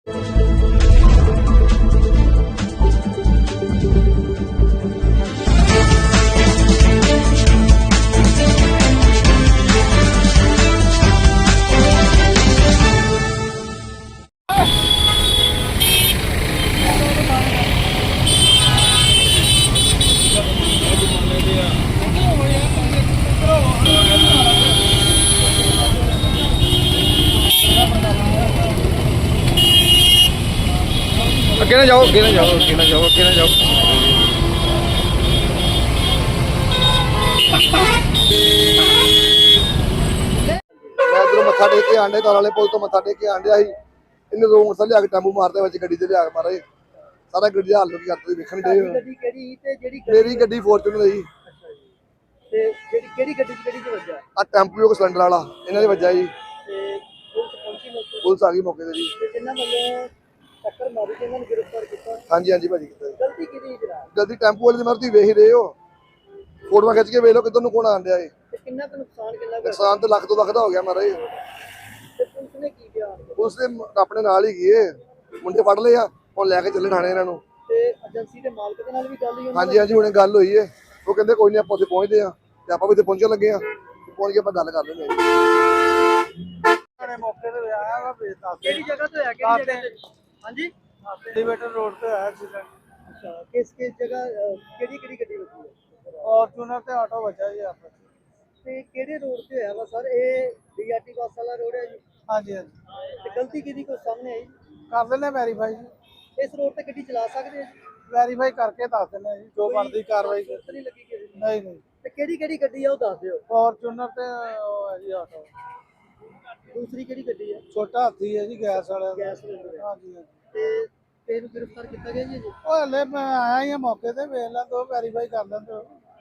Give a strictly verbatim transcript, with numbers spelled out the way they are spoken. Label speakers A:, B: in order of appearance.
A: अगे ना जाओ, अगे ना जाओ, अगे ना जाओ, अगे ना जाओ। मैं इधरों मत्था टेक के आंडे ताल वाले पुल तो मत्था टेक के आंडिया ही इन्हें रोड मोटरसाइकिल लिया के टेंपू मारते बच्चे गड्डी ते लिया के मारे सारा गड्डी दा हाल लोग करते देखण दे।
B: ਗੱਡੀ ਕਿਹੜੀ ਤੇ ਜਿਹੜੀ
A: मेरी गड्डी फॉर्च्यूनर ही
B: ਅੱਛਾ ਜੀ ਤੇ ਜਿਹੜੀ ਕਿਹੜੀ ਗੱਡੀ ਚ ਕਿਹੜੀ ਚ ਵੱਜਾ
A: आ टेंपू को सिलेंडर वाला इन्हां दे वज्जा जी।
B: ਤੇ ਪੁਲਿਸ ਪਹੁੰਚੀ ਮੌਕੇ
A: पुलिस आ गई मौके ते जी।
B: ਤੇ ਜਿਨ੍ਹਾਂ ਵੱਲੋਂ ਟੱਕਰ ਮਾਰੀ ਤੇ ਇਹਨਾਂ ਨੂੰ ਗ੍ਰਿਫਤਾਰ ਕੀਤਾ।
A: हाँ जी हाँ जी भाजी कित्ता जी
B: ਗਲਤੀ ਕਿਹਦੀ ਜਨਾਬ
A: गलती टेंपू वाले दी मरती वेख ही रहे हो फोटोआं खिच के वेख लो किधर नु कौन आंड दिया है।
B: ਤੇ ਕਿੰਨਾ ਕੁ ਨੁਕਸਾਨ ਕਿੰਨਾ ਕੁ
A: नुकसान तो लख तो लख दा हो गया महाराज।
B: ਤੇ ਪੁਲਿਸ ਨੇ ਕੀ ਕਿਹਾ
A: पुलिस ने अपने नाल ही गए मुंडे फड़ लए आ हुण लैके चले थाने इन्हां नु।
B: ਤੇ ਏਜੰਸੀ ਦੇ ਮਾਲਕ ਦੇ ਨਾਲ ਵੀ ਗੱਲ ਹੋਈ
A: हाँ जी हाँ जी हुणे गल होई है वो कहंदे कोई नहीं आपां उत्थे पहुंचदे आ ते आपां भी उत्थे पहुंचण लगे आ पहुंच के आपां गल कर लेंगे
B: ਨੇ ਮੌਕੇ ਤੇ ਆਇਆ ਵਾ ਬੇਤਾ ਕਿਹੜੀ ਜਗ੍ਹਾ ਤੋਂ ਆਇਆ ਕਿਹੜੀ ਜਗ੍ਹਾ ਤੇ ਹਾਂਜੀ
C: ਐਲੀਵੇਟਰ ਰੋਡ ਤੇ ਆਇਆ ਐਕਸੀਡੈਂਟ।
B: ਅੱਛਾ ਕਿਸ ਕਿਸ ਜਗ੍ਹਾ ਕਿਹੜੀ ਕਿਹੜੀ ਗੱਡੀ ਵੱਜੀ ਹੈ
C: ਫੋਰਚੂਨਰ ਤੇ ਆਟੋ ਵੱਜਾ ਜੀ ਆਪਸ ਵਿੱਚ।
B: ਤੇ ਕਿਹੜੇ ਰੋਡ ਤੇ ਹੋਇਆ ਵਾ ਸਰ ਇਹ ਡੀਆਰਟੀ ਬੱਸ ਵਾਲਾ ਰੋਡ ਹੈ ਜੀ
C: ਹਾਂਜੀ ਹਾਂਜੀ
B: ਤੇ ਗਲਤੀ ਕਿਹਦੀ ਕੋਈ ਸਾਹਮਣੇ ਆਈ
C: ਕਰ ਦਿੰਦੇ ਵੈਰੀਫਾਈ ਜੀ
B: ਇਸ ਰੋਡ ਤੇ ਗੱਡੀ ਚਲਾ ਸਕਦੇ ਆ ਜੀ
C: ਵੈਰੀਫਾਈ ਕਰਕੇ ਦੱਸ ਦਿੰਦੇ ਜੀ ਜੋ ਬਣਦੀ ਕਾਰਵਾਈ
B: ਜ਼ਰੂਰਤ ਨਹੀਂ ਲੱਗੀ ਕਿਸੇ ਦੀ
C: ਨਹੀਂ ਨਹੀਂ
B: ਤੇ ਕਿਹੜੀ ਕਿਹੜੀ ਗੱਡੀ ਆ ਉਹ ਦੱਸ ਦਿਓ
C: ਫੋਰਚੂਨਰ ਤੇ ਉਹ ਹੈ ਜੀ ਆਟੋ
B: ਦੂਸਰੀ ਕਿਹੜੀ ਗੱਡੀ ਹੈ
C: ਛੋਟਾ ਹਾਥੀ ਹੈ ਜੀ ਗੈਸ ਵਾਲਾ
B: ਗੈਸ ਸਿਲੰਡਰ ਹੈ
C: ਹਾਂਜੀ ਹਾਂਜੀ
B: ਤੇ ਤੇ ਨੂੰ ਗ੍ਰਿਫਤਾਰ ਕੀਤਾ ਗਿਆ ਜੀ ਜੀ
C: ਉਹ ਹਲੇ ਮੈਂ ਆਇਆ ਹੀ ਹਾਂ ਮੌਕੇ ਤੇ ਵੇਖ ਲਾਂ ਦੋ ਵੈਰੀਫਾਈ ਕਰ ਲੈਂਦੇ ਹੋ